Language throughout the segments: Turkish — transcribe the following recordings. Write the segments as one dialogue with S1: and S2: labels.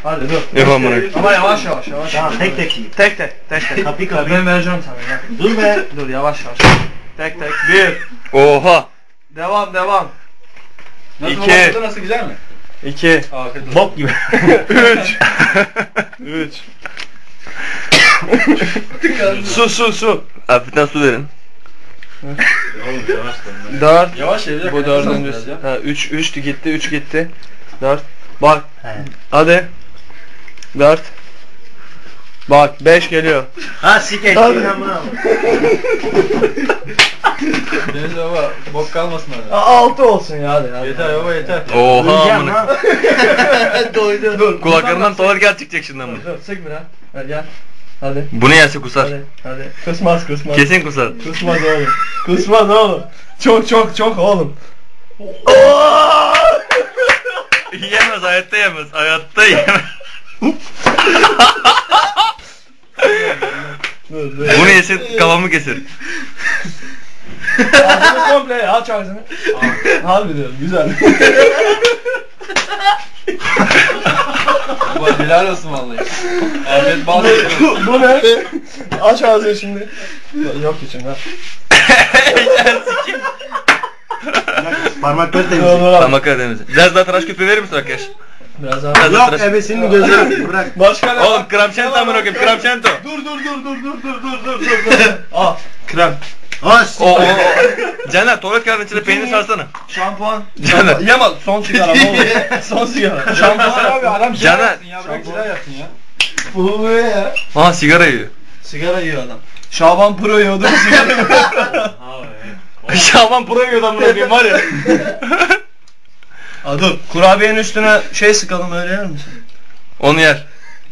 S1: Hadi dur.
S2: Yapamam bunu.
S1: Ama yavaş yavaş.
S3: Tamam tek tek yiyin.
S1: Tek.
S3: Kapıyı
S1: Ben vereceğim sana ya.
S3: Dur be.
S1: Dur yavaş. Tek. 1.
S2: Oha.
S1: Devam.
S4: Nasıl
S2: 2.
S4: oldu, nasıl, güzel mi?
S2: 2.
S4: Afiyet olsun.
S3: Bok gibi.
S1: 3.
S2: Su. Hafiften su verin.
S1: 4.
S4: Yavaş ya.
S1: Bu dördüncüsü. Ha 3 gitti, 3 gitti. 4. Bak. Hadi. 4. Bak 5 geliyor.
S3: Ha sik eşeğin amına.
S4: Deniz baba bok kalmasın orada.
S1: 6 olsun ya hadi.
S4: Yeter baba yeter.
S2: Oha
S3: Uyuyacağım
S2: amına.
S3: lan.
S1: Doydu. Dur.
S2: Kulaklarından tuvalet gel çıkacak şimdi amına.
S1: Dur sık biraz. Hadi gel. Hadi.
S2: Bunu yerse kusar.
S1: Hadi. Kusmaz.
S2: Kesin kusar.
S1: Kusmaz oğlum. Çok oğlum.
S2: Yemez, hayatta yemez. Hayatta yemez.
S1: Dur.
S2: Bunu yesin kafamı keser.
S1: Ağzını komple aç ağzını. Harbi diyorum güzel.
S4: Baba helal olsun vallahi. Afiyet bal olsun.
S1: Bu ne? Aç ağzını şimdi. Yok içinde.
S3: Parmakları temizle.
S2: Tamam Karadeniz. Biraz daha tıraş köpüğü verir misin arkadaş?
S1: Biraz daha.
S2: Biraz daha
S3: Yok
S2: tıraş.
S3: ebesinin gözleri bırak.
S1: Başka ne?
S2: Oğlum kramçento amına koyayım, kramçento.
S1: Dur. Al. Krem.
S3: As.
S2: O. Caner tuvalet kağıdının içine peynir sarsana.
S1: Şampuan.
S2: Caner.
S1: Yama son sigara ne olur. Son sigara.
S4: Şampuan abi adam sigara
S2: Caner.
S4: yapsın ya. Bırak sigara yapsın ya.
S1: Bu ne ya?
S2: Aha sigara yiyor.
S1: Sigara yiyor adam. Şaban Pro yiyordu sigara yiyor.
S2: Şaban Pro yiyor amına koyayım var ya.
S1: Aa dur. Kurabiyenin üstüne şey sıkalım öyle yer misin?
S2: Onu yer.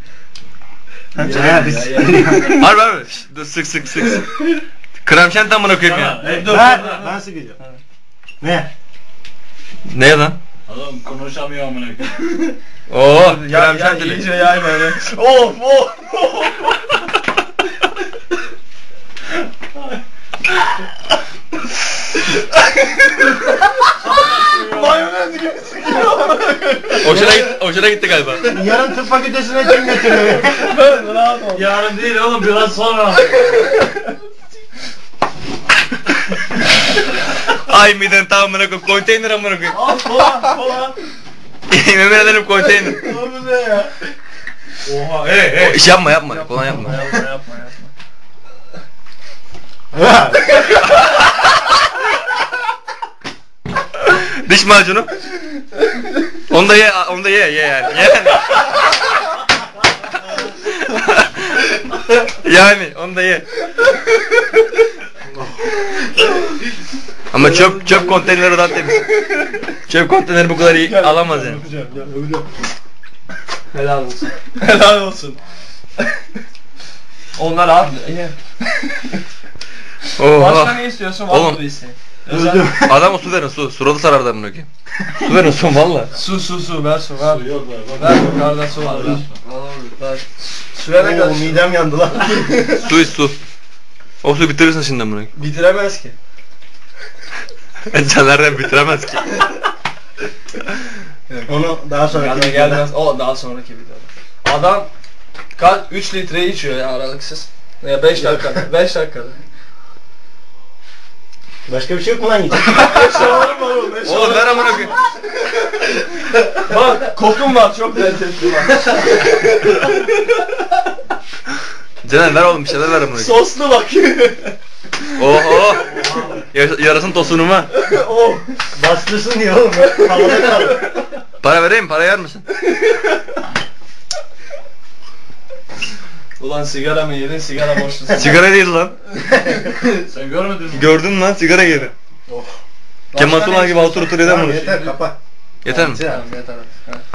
S3: Ya biz.
S2: Harbi. Şşt, dur sık. Kramçento amına koyayım ya.
S1: Dur.
S3: Ben sıkacağım. Ne?
S2: Ne lan?
S4: Adam konuşamıyor amına koyayım.
S2: Oo,
S1: Ya
S2: kramçentili.
S1: iyice yay böyle. Of. Mayonez gibi sıkıyor.
S2: Hoşuna gitti galiba.
S3: Yarın tıp fakültesine kim götürüyor?
S1: Ben rahat ol.
S4: Yarın değil oğlum biraz sonra.
S2: Ay miden tam amına koyayım. Konteyner amına koyayım.
S1: Al kola.
S2: Yemin ederim konteyner.
S1: Bu ne ya?
S4: Oha hey.
S2: İş yapma. Kolay yapma.
S1: Yapma.
S2: Diş macunu. Onu da ye yani. Yani onu da ye. Ama çöp konteyneri daha temiz. Çöp konteyneri bu kadar iyi alamaz yani.
S1: Öpeceğim. Helal olsun. Onlar abi. Başka
S2: Oha.
S1: ne istiyorsun?
S2: Oğlum.
S1: Var mı isteğin?
S3: Öldüm.
S2: Adama su verin su. Suratı sarar da bunu ki. Su verin su valla.
S1: Su ver su ver. Ver yukarıda su var ver. Suya ne
S3: Oo,
S1: kadar?
S3: midem yandı lan.
S2: Su iç su. O suyu bitirirsin şimdi bunu.
S1: Bitiremez ki.
S2: Caner'den bitiremez ki.
S3: Onu daha sonra
S1: Gelmez. O daha sonraki videoda. Adam kaç 3 litre içiyor ya aralıksız. Ya 5 dakikada. 5 dakikada.
S3: Başka bir şey yok mu lan yiyecek?
S1: Şavarım var oğlum.
S2: Oğlum ver amına koyayım.
S1: Bak kokun var çok lezzetli bak.
S2: Caner ver oğlum bir şeyler ver amına koyayım.
S1: Soslu bak.
S2: Oho. Yarasın tosunuma.
S1: Oh.
S3: Bastırsın diye oğlum. Havada kaldı.
S2: Para vereyim, para yer misin?
S1: Ulan sigara mı yedin sigara boşlusun.
S2: Sigara değil lan.
S4: Sen görmedin mi?
S2: Gördün lan sigara yedi.
S1: Oh.
S2: Kemal Sunal gibi otur yeden
S3: Tamam
S2: bunu.
S3: yeter kapa.
S2: Yeter mi?
S1: Tamam yeter. Ha.